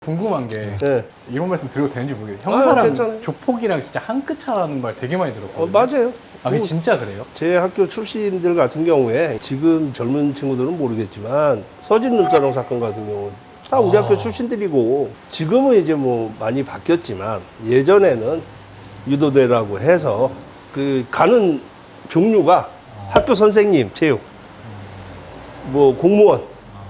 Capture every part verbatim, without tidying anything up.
궁금한 게 네. 이런 말씀 드려도 되는지 모르겠어요. 형사랑 아, 괜찮아요. 조폭이랑 진짜 한 끗 차라는 말 되게 많이 들었거든요. 어, 맞아요. 아, 그게 뭐, 진짜 그래요? 제 학교 출신들 같은 경우에 지금 젊은 친구들은 모르겠지만 서진 눈가롱 사건 같은 경우는 다 우리 아. 학교 출신들이고 지금은 이제 뭐 많이 바뀌었지만 예전에는 유도대라고 해서 그 가는 종류가 학교 선생님 체육 뭐 공무원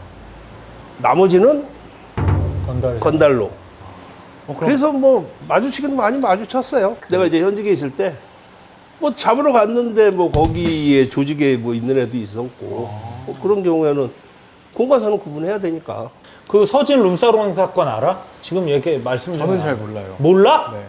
나머지는 건달. 건달로 어, 그럼 그래서 뭐 마주치기도 많이 마주쳤어요. 내가 이제 현직에 있을 때 뭐 잡으러 갔는데 뭐 거기에 조직에 뭐 있는 애도 있었고 뭐 그런 경우에는 공과사는 구분해야 되니까. 그 서진 룸사롱 사건 알아? 지금 얘기 말씀 좀 저는 나- 잘 몰라요. 몰라? 네.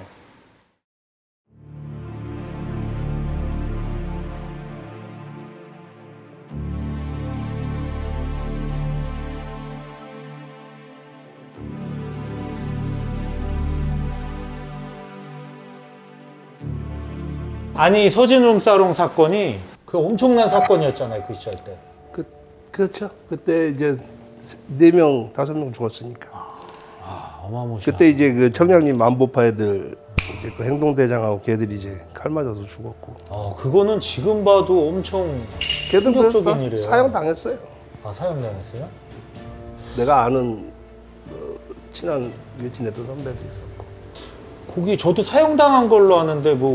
아니 서진 룸사롱 사건이 그 엄청난 사건이었잖아요 그 시절 때. 그 그렇죠. 그때 이제 네 명 다섯 명 죽었으니까. 아 어마무시한. 그때 이제 그 청량리 만보파 애들 이제 그 행동대장하고 걔들이 이제 칼 맞아서 죽었고. 어 그거는 지금 봐도 엄청 걔들 그래서 충격적인 다 일이에요. 사형 당했어요. 아 사형당했어요? 내가 아는 어, 친한 외친했던 선배도 있었고. 거기 저도 사형당한 걸로 아는데 뭐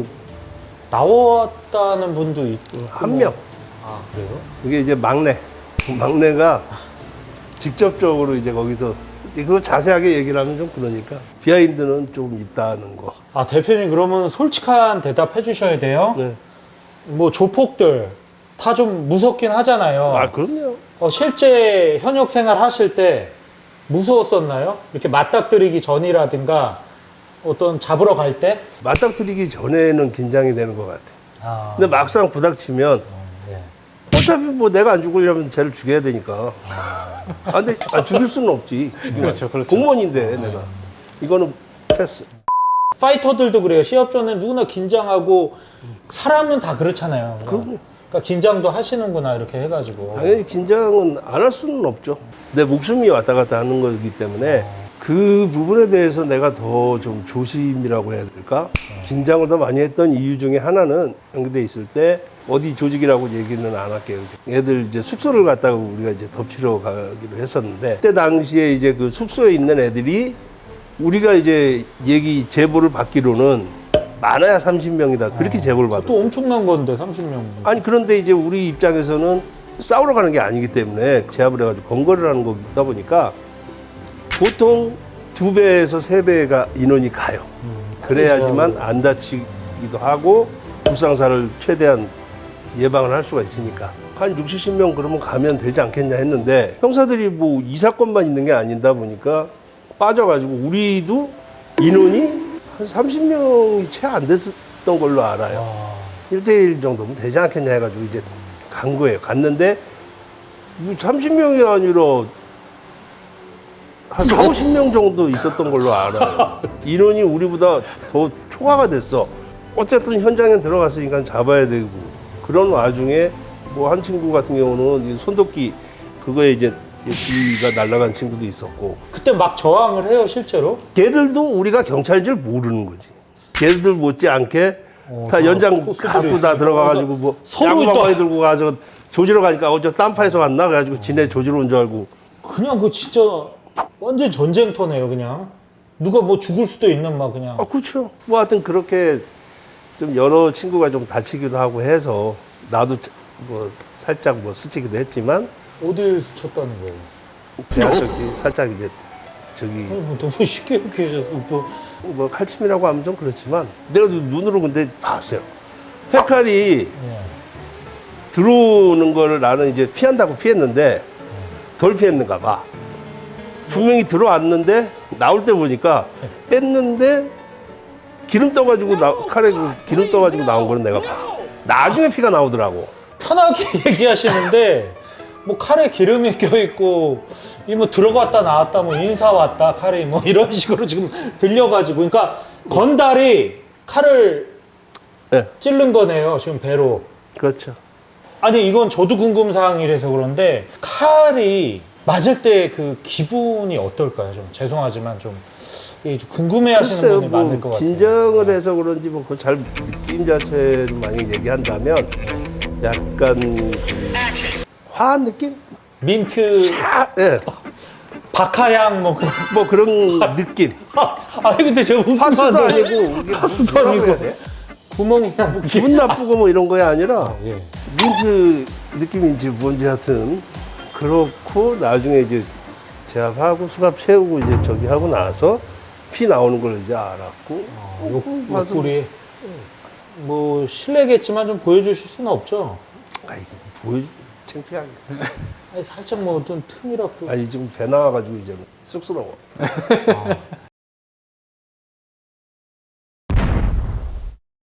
나왔다는 분도 있고 한 명. 아 그래요? 그게 이제 막내. 막내가 직접적으로 이제 거기서 그거 자세하게 얘기를 하면 좀 그러니까 비하인드는 좀 있다는 거. 아 대표님 그러면 솔직한 대답 해주셔야 돼요. 네. 뭐 조폭들 다 좀 무섭긴 하잖아요. 아 그럼요. 어, 실제 현역 생활 하실 때 무서웠었나요? 이렇게 맞닥뜨리기 전이라든가 어떤 잡으러 갈 때? 맞닥뜨리기 전에는 긴장이 되는 것 같아. 아, 근데 막상 부닥치면 예. 어차피 뭐 내가 안 죽으려면 쟤를 죽여야 되니까. 아 근데 아, 죽일 수는 없지. 죽이면. 그렇죠, 그렇죠. 공무원인데 내가 이거는 패스. 파이터들도 그래요. 시합 전에 누구나 긴장하고 사람은 다 그렇잖아요. 그럼요. 그러니까 긴장도 하시는구나 이렇게 해가지고. 당연히 긴장은 안 할 수는 없죠. 내 목숨이 왔다 갔다 하는 거기 때문에 그 부분에 대해서 내가 더 좀 조심이라고 해야 될까? 긴장을 더 많이 했던 이유 중에 하나는 연계돼 있을 때 어디 조직이라고 얘기는 안 할게요. 애들 이제 숙소를 갔다가 우리가 이제 덮치러 가기로 했었는데 그때 당시에 이제 그 숙소에 있는 애들이 우리가 이제 얘기 제보를 받기로는 많아야 삼십 명이다. 그렇게 제보를 또 받았어요. 엄청난 건데 삼십 명. 아니 그런데 이제 우리 입장에서는 싸우러 가는 게 아니기 때문에 제압을 해가지고 건거를 하는 거다 보니까 보통 두 배에서 세 배가 인원이 가요. 그래야지만 안 다치기도 하고 불상사를 최대한 예방을 할 수가 있으니까 한 육십, 칠십 명 그러면 가면 되지 않겠냐 했는데 형사들이 뭐 이 사건만 있는 게 아니다 보니까 빠져가지고 우리도 인원이 한 삼십 명이 채 안 됐던 걸로 알아요. 와. 일 대일 정도면 되지 않겠냐 해가지고 이제 간 거예요. 갔는데 뭐 삼십 명이 아니라 한 사오십 명 정도 있었던 걸로 알아요. 인원이 우리보다 더 초과가 됐어. 어쨌든 현장에 들어갔으니까 잡아야 되고 그런 와중에 뭐 한 친구 같은 경우는 이 손도끼 그거에 이제 귀가 날아간 친구도 있었고 그때 막 저항을 해요 실제로? 걔들도 우리가 경찰인 줄 모르는 거지. 걔들 못지않게 어, 다 다 연장 코스들이 갖고 다 있으니까. 들어가가지고 뭐 서로 야구방망이 또- 들고 가서 조지러 가니까 어저 딴파에서 왔나 그래가지고 지네 조지러 온 줄 알고 그냥 그 진짜 완전 전쟁터네요 그냥. 누가 뭐 죽을 수도 있는 막 그냥. 아 그렇죠. 뭐 하여튼 그렇게 좀 여러 친구가 좀 다치기도 하고 해서 나도 뭐 살짝 뭐 스치기도 했지만 어딜 스쳤다는 거예요? 대학 저기 살짝 이제 저기 아니, 뭐 너무 쉽게 이렇게 해줬어. 뭐. 뭐 칼침이라고 하면 좀 그렇지만 내가 눈으로 근데 봤어요. 페칼이 예. 들어오는 거를 나는 이제 피한다고 피했는데 덜 피했는가 봐. 분명히 들어왔는데 나올 때 보니까 뺐는데 기름 떠가지고 나, 칼에 그 기름 떠가지고 나온 거는 내가 봤어. 나중에 피가 나오더라고. 편하게 얘기하시는데 뭐 칼에 기름이 껴있고 이 뭐 들어갔다 나왔다 뭐 인사 왔다 칼이 뭐 이런 식으로 지금 들려가지고 그러니까 건달이 칼을 네, 찌른 거네요 지금 배로. 그렇죠. 아니 이건 저도 궁금사항이라서 그런데 칼이 맞을 때 그 기분이 어떨까요? 좀 죄송하지만 좀, 이게 좀 궁금해하시는 글쎄요, 분이 많을 것 뭐 같아요. 긴장을 해서 그런지 뭐 그 잘 느낌 자체를 만약 얘기한다면 약간 그 화한 느낌? 민트, 아, 예, 박하향 뭐 그런. 뭐 그런 느낌. 아니 근데 제가 웃으면 파스도 안 돼요. 아니고 이게 파스도 뭐라고 아니고. 해야 돼? 구멍이나 뭐 기분 나쁘고 뭐 이런 거야 아니라 예. 민트 느낌인지 뭔지 하여튼 그렇고 나중에 이제 제압하고 수갑 채우고 이제 저기 하고 나서 피 나오는 걸 이제 알았고 요, 요 맞아. 꿀이 뭐 실례겠지만 좀 보여주실 수는 없죠. 아이 보여주 창피하게 아니, 살짝 뭐 어떤 틈이라도. 아니 지금 배 나와가지고 이제 쑥스러워. 아,